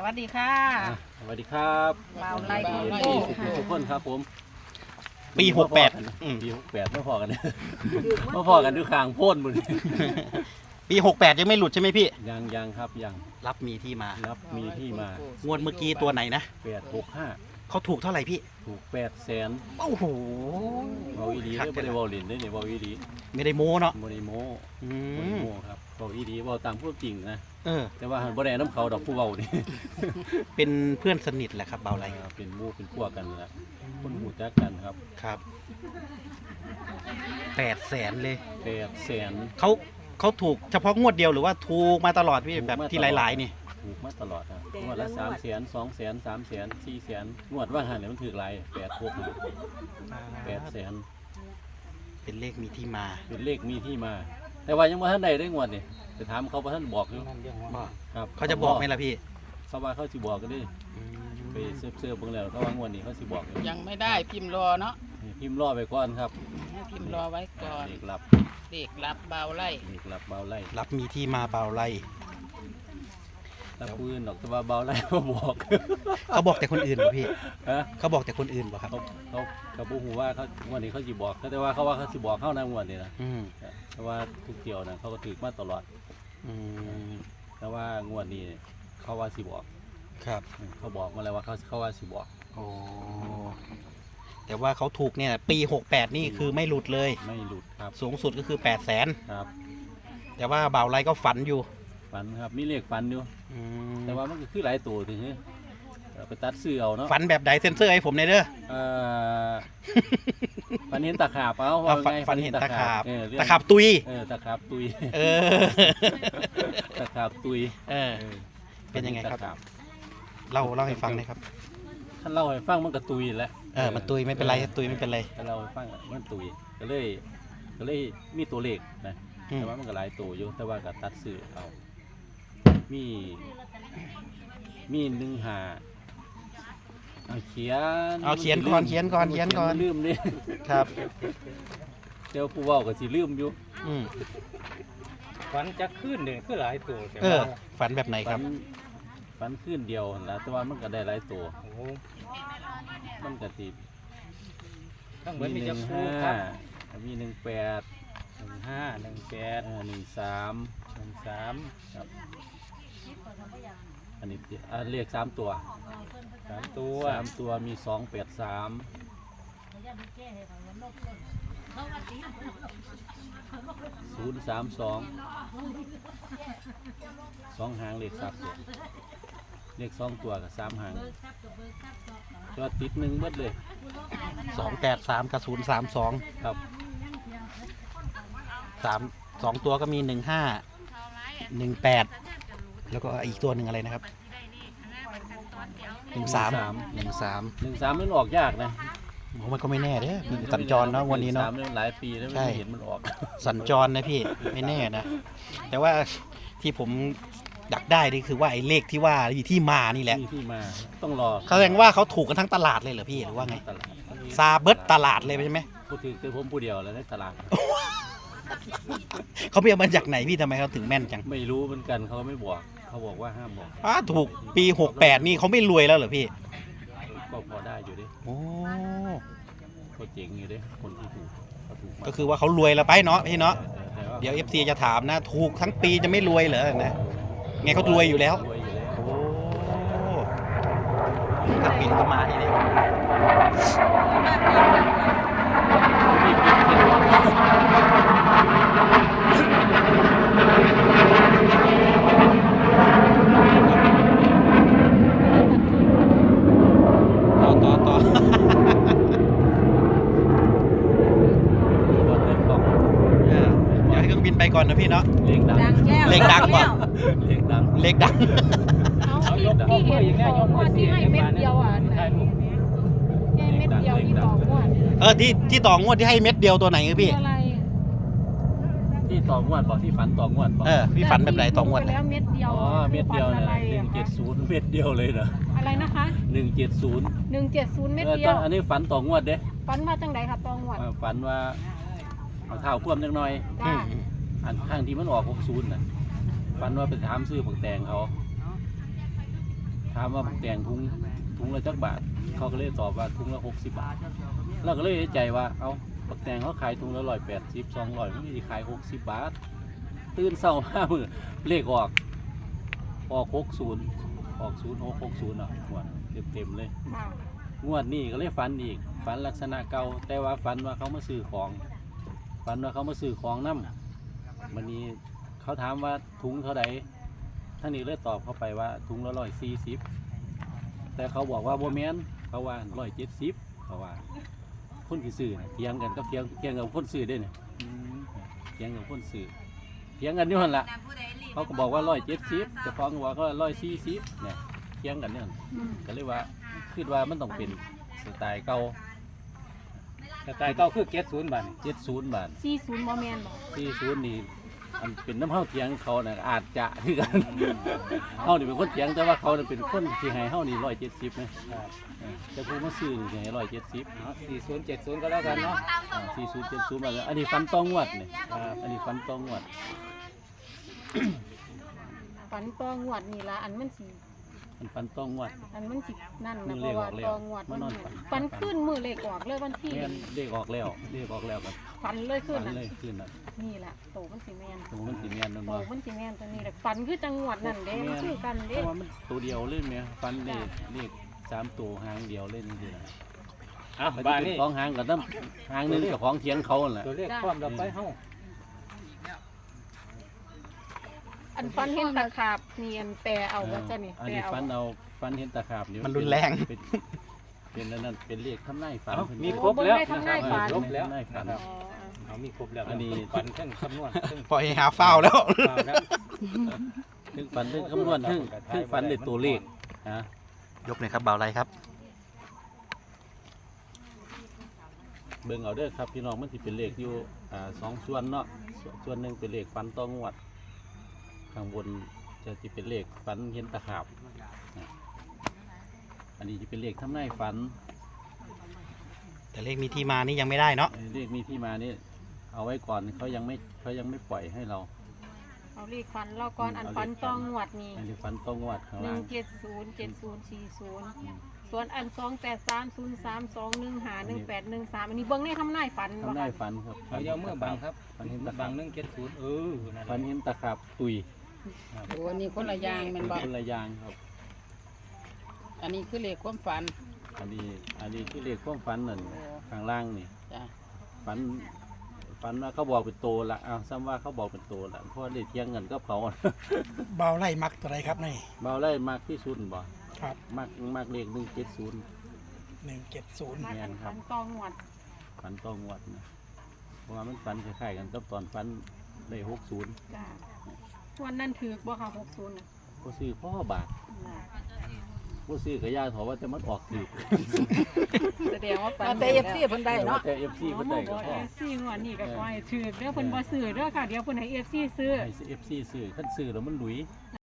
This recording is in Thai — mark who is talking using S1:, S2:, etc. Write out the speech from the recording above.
S1: วัสดีค่ะ
S2: สวัสดีครับ
S1: เราไล่
S2: ที่ทุกคนครับผม
S3: ปี68
S2: ปี68ไม่พอกันไม่พอกันด้วยคางโพ่นหมด
S3: ปี68ยังไม่หลุดใช่ไหมพี่
S2: ยังครับยัง
S3: รับมีที่มา
S2: รับมีที่มาง
S3: วดเมื่อกี้ตัวไหนนะ
S2: 865
S3: เขาถูกเท่าไหร่พี่
S2: ถูก800,000
S3: โอ้โห
S2: เบาอีดีไม่ได้เบาหลินได้เนี่ยเบาอีดี
S3: ไม่ได้โม้เนาะ
S2: โมนิโม
S3: อื
S2: โมนิ
S3: ม
S2: โมครับเบาอีดีเบาตามพูดจริงนะ
S3: เออ
S2: แต่ว่าหันบ่ได้น้ำเขาดอกผู้เบานี่
S3: เป็นเพื่อนสนิทแหละครับเบาไร
S2: เป็นหมู่เป็นพวกกันแหละคนหูจักกันครับ
S3: ครับ800,000เลย
S2: 800,000
S3: เขาถูกเฉพาะงวดเดียวหรือว่าถูกมาตลอดพี่แบบที่หลายๆนี่
S2: ถูกมาตลอดนะงวดละ300,000 200,000 300,000 400,000งวดว่าหันเนี่ยมันถือหลาย800,000
S3: เป็นเลขมีที่มา
S2: เป็นเลขมีที่มา แต่ว่ายังบ่ทันได้ได้งวดนี่จะถามเขาบ่ทันบอกอยู่ครับ
S3: เขาจะบอกไหมล่ะพี่
S2: เขาว่าเขาสิบอกกันดิไปเสิร์ฟเบิ่งแล้วเขาว่างวดนี้เขาสิบอกอยู่
S1: ยังไม่ได้พิมพ์รอเนาะ
S2: นี่พิมพ์รอไปก่อนครับ
S1: ให้พิมพ์รอไว้ก่อน
S2: เลขลับ
S1: เด็กรับเบาไล่
S2: เลขลับเบาไล่
S3: รับมีที่มาเบาไร
S2: รับปืนดอกแต่ว่าเบาไล่บ่บอก
S3: เขาบอกแต่คนอื่นป่ะพี่
S2: ฮะ
S3: เขาบอกแต่คนอื่นป่ะครับ
S2: เขาบ่ฮู้ว่าเขางวดนี้เขาสิบอกแต่ว่าเขาว่าเขาสิบอกเข้านะงวดนี้นะ
S3: อืม
S2: แต่ว่าทุกเที่ยวนะเขาก็ถือมาตลอด
S3: อืม
S2: แต่ว่างวดนี้เขาว่าสิบอก
S3: ครับ
S2: เขาบอกมาแล้วว่าเขาว่าสิบอก
S3: โอ้แต่ว่าเขาถูกเนี่ยปี68นี่คือไม่หลุดเลย
S2: ไม่หลุดครับ
S3: สูงสุดก็คือ800,000
S2: ครับ
S3: แต่ว่าบ่าวไรก็ฝันอยู่
S2: ฝันครับมีเลขฝันอยู่
S3: อืม
S2: แต่ว่ามันก็คือหลายตัวถึงนี้ไปตัดซื้อเอาเนาะ
S3: ฝันแบบใดเซ็นเซอร์ให้ผมหน่อยเด้อ
S2: เอ่อฝันเห็นตะขาบเอา
S3: เอา
S2: ว่าไง
S3: ฝันเห็นตะขาบ
S2: เรื่อง
S3: ตะขาบตุย
S2: ตะขาบตุย
S3: เออ
S2: ตะขาบตุย
S3: เออ
S2: เออ
S3: เป็นยังไงครับ
S2: ตะขา
S3: เล่าให้ฟังหน่อยครับ
S2: ท่านเล่าให้ฟังมันก็ตุยแหล้ว
S3: มันตุยไม่เป็นไรตุยไม่เป็นไร
S2: ท่านเล่าให้ฟังมันตุยก็เลยมีตัวเลขนะ
S3: อืม
S2: แต่ว่ามันก็หลายตัวอยู่แต่ว่าก็ตัดซื้อเอามี1 5เอาเขียน
S3: เอาเขียนก่อนเขียนก่อนเขียนก่อน
S2: ลืมดิ
S3: ครับ
S2: เดี๋ยวผู้เว้าก็สิลืมอยู่
S3: อืม
S4: ฝันจะขึ้นเนี่ยคือหลายตัวแต่
S3: เออ
S4: ว่า
S3: ฝันแบบไหนครับ
S2: ฝันขึ้นเดียวนั่นล่ะแต่ว่ามันก็ได้หลายตัว
S4: โอ้โห
S2: มันก็สิ
S4: ทั้งหมดมี
S2: 1
S4: จะคู่ครับ
S2: 5มี18
S4: 15 18
S2: 13
S4: 13
S2: ครับอันนี้เลข3ตัว
S4: 3ตัว
S2: 3ตัวมี283 032 2หางเลข3ตัวเลข2ตัวกับ3หางตัวติด1เบิดเลย
S3: 283กับ032
S2: ครับ
S3: 2ตัวก็มี15 18แล้วก็อีกตัวหนึ่งอะไรนะครับ13
S2: 13มันออกยากนะ
S3: โอ้มันก็ไม่แน่เด้อมีสัญจรเนาะวันนี้เนาะ
S2: 13เนี่ยหลายปีแล้ว
S3: ใช่
S2: ไม่เห็นมันออก
S3: สัญจรนะพี่ไม่แน่นะ แต่ว่าที่ผมอยากได้นี่คือว่าไอ้เลขที่ว่าที่มานี่แหละ
S2: นี่ที่มาต้องรอ
S3: เขาแสดงว่าเขาถูกกันทั้งตลาดเลยเหรอพี่หรือว่าไง
S2: ตลาด
S3: ซาเบิร์ตตลาดเลยใช่ไหม
S2: พูดถึงคือผมผู้เดียวแล้วในตลาด
S3: เขาไปเอามาจากไหนพี่ทำไมเขาถึงแม่นจัง
S2: ไม่รู้เหมือนกันเขาไม่บอกเขาบอกว่าห้ามบอก
S3: ถูกปี68นี่เขาไม่รวยแล้วเหรอพี่
S2: ก็พอได้อยู่ดิ
S3: โอ้
S2: ก็เจ๋งอยู่ดิคนที่ถูกเขาถูกมาก
S3: ก็คือว่าเขารวยแล้วไปเนาะพี่เนาะ
S2: แต่ว่า
S3: เดี๋ยว FC จะถามนะ ถูกทั้งปีจะไม่รวยเหรอนะไงเขารวยอยู่แล้ว
S2: รวยอยู่แล้ว
S3: โอ้ถ้าปินก็มาทีนี้
S2: มีเก็บเก็บ
S3: ต่อ
S2: บอลเล่นกล่อง
S3: เดี๋ยวให้เครื่องบินไปก่อนนะพี่เนาะ
S2: เลี้ยงดัง
S3: เลขดังว่ะ
S2: เลี้ยงดัง
S3: เลขดัง
S4: เอายกที่เห็นของงวดที่ให้เม็ดเดียวอ่ะ
S2: ถ่ายรูป
S5: แค่เม็ดเดียวที่ต่องวด
S3: ที่ต่องวดที่ให้เม็ดเดียวตัวไหนคือพี่
S5: อะไร
S2: ที่ต่องวดบอกที่ฝันต่องวดบอก
S3: พี่ฝันแบบไหนต่องวด
S5: ไป
S3: นะ
S5: แล้วเม็ดเดียว
S2: อ๋อเม็ดเดียว
S5: ฝั
S2: นะ
S5: อะไรอะคะ
S2: 170เม็ดเดียวเลยนะ
S5: อะไรนะคะ
S2: 170
S5: 170เม็ดเดียว
S2: อันนี้ฝันต่องวดเด้
S5: ฝันว่าจังไดครับต่องวด
S2: ฝันว่าเอาเท้าคว่ำจังหน่อย
S5: จ้า
S2: อันข้างที่มันออก60น่ะฝันว่าไปถามซื้อผักแตงเขาถามามว่าบักแตงถุงละจักบาทเขาก็เลยตอบว่าถุงละ60 บาทเราก็เลยเอะใจว่าเอาบักแตงเขาขายถุงละ180 200มันสิขาย60 บาทตื่นเช้ามามื้อเลขออก60ออก0660เนาะงวดเต็มๆเลย
S5: ค่ะ
S2: งวดนี้ก็เลยฝันอีกฝันลักษณะเก่าแต่ว่าฝันว่าเขามาซื้อของฝันว่าเขามาซื้อของนำวันนี้เขาถามว่าถุงเท่าใดท่านนี้เลยตอบเข้าไปว่าถุงละ140แต่เขาบอกว่าบ่แม่นเขาว่า170เขาว่าคนที่ซื้อน่ะเถียงกันกับเถียงกับคนซื้อเด้เนี่ยเถียงกับคนซื้อเถียงกันอยู่หั่นล่ะเขาก็บอกว่า170เจ้าของก็บอกว่า140เนี่ยเถียงกันเนี่ย
S5: อืม
S2: ก็เลยว่าคิดว่ามันต้องเป็นสไตล์เก่า
S4: แต่ตายเก้าคือ70บาท
S2: 70 บาท
S5: 40บ่แม่นบ่
S2: 40นี่อันเป็นน้ำเฮาเถียงเขาน่ะอาจจะคือกัน เฮานี่เป็นคนเถียงแต่ว่าเขาน่ะเป็นคนที่ให้เฮานี่170นะแต่ผู้มาซื้อนี่สิให้170
S4: เอา40 70ก็แล้วกันเนาะ
S2: 40 70บาทอันนี้ฟันตองงวดนี่อันนี้ฟันตองงวด
S5: ฝันตองวดนี่ล่ะอันมันสิ
S2: มันฟันตองงวด
S5: อันมันสินั่น
S2: มื
S5: นะ
S2: อ
S5: เพ
S2: เลข
S5: ราะ
S2: อ
S5: ว่า
S2: อกแล้ว
S5: ตองวด
S2: มานอนฝัน
S5: ฝันขึ้นมือเลขออกเลยวันที่
S2: แม่นเลขออกแล้วก็
S5: ฝันเลยขึ้น
S2: ฝัน
S5: น่ะ
S2: เลยขึ้นน่ะ
S5: นี่ล่ะโตมันสิแม่น
S2: ตรงมันสิแม่นนั่น
S5: โต
S2: บ่
S5: มันสิแม่นตัวนี้แหละฝันคือจังหวัดนั่นเด้มันคือกัน
S2: เพ
S5: เด้
S2: ราะว่ามันตัวเดียวเลยแม่ฟันเลข3ตัวหางเดียวเล่นนี่นะ
S4: เอา
S2: มัน
S4: บ้าน
S2: เป็น
S4: นี้
S2: สองหางกับน้ำหางหนึงกับของเถียงเขานั่นแหละ
S4: ตัวเลขพร้อมเราไปเฮา
S5: อันฝันเห็นตะขาบเนียนแปลเอาว่าจะนี่
S2: อัน
S5: แปล
S2: นี้
S5: เอา
S2: ฟันเห็นตะขาบนี่
S3: มันรุนแรง
S2: เป็นนั่นเป็นเลขทำนายฝัน
S4: มีครบแล้ว
S5: ทำนายฝัน
S4: ครบแล้ว
S2: ทำนายฝัน
S4: นะครับ
S5: อ๋อ
S4: เอามีครบแล้ว
S2: อันนี้
S4: ฝันทั้งคำนวณทั้ง
S3: ปล่อยหาเฝ้าแล้ว
S4: ข่าวแล้ว
S2: ถึงฝันถึงคำนวณถึงฝันในตัวเลขนะ
S3: ยกหน่อยครับเบาไรครับ
S2: เบิ่งเอาเด้อครับพี่น้องมันสิเป็นเลขอยู่2ส่วนเนาะส่วนหนึ่งเป็นเลขฝันต้องงวดข้างบนจะเป็นเลขฝันเห็นตะขาบนะอันนี้จะเป็นเลขทำนายฝัน
S3: แต่เลขมีที่มานี่ยังไม่ได้เนาะ
S2: เลขมีที่มานี่เอาไว้ก่อนเขายังไม่ปล่อยให้เรา
S5: เอาเลขฝันเราก่อนอันฝันตองวดนี่
S2: อันนี้ฝันต้องงวดข้างล่าง
S5: 1707040ส่วนอัน2830321518183อันนี้เบิ่งในทำนายฝันบ่
S2: ทำนายฝันครับ
S4: เอาเยาเมื่อบังครับ
S2: ฝันเห็นตะ
S4: บั
S2: ขาง บ
S4: 170นั่น
S2: ฝันเห็นตะขาบตุย
S1: โอ้อันนี้คนละอย่างแมันบ่
S2: เป็นระยางครับ
S1: อันนี้คือเลขความฝัน
S2: อันนี้คือเลขความฝันนั่นข้างล่างนี่
S1: จ้ะ
S2: ฝันว่าเขาบอกเป็นโตละอ้าวซ้ำว่าเขาบอกเป็นโตละเพราะว่าได้เที่ยงเงินก็เขา
S6: เบาไล่มักตัวใดครับใน
S2: เบาไล่มากที่สุดบ่
S6: ครับ
S2: มากเลข170
S6: 170
S5: มา
S2: แม่
S5: อั
S2: น
S5: น
S2: ครั
S5: ฝั
S2: บ
S5: นตองวด
S2: ฝันต้องงวดนะเพราะว่ามันฝันคล้ายๆกันกับตอนฝันได้60
S5: จ้ะวันนั้นถือบ่ค่ะ60น่ะ
S2: ก็ซื้อพ่อบาทก็ซื้อกระยาถอว่าจะมันออกถือ
S5: แสดงว่าฝัน
S1: แต่ FC เพิ่นได้เนาะ
S2: แต่ FC เพิ่นได้ก็พอ
S5: FC งวดนี้ก็ขอให้ถือเด้อเพิ่นบ่ซื้อเด้อค่ะเดี๋ยวเพิ่นให้ FC ซื้อ
S2: ให้ FC ซื้อคันซื้อแล้วมันหลุย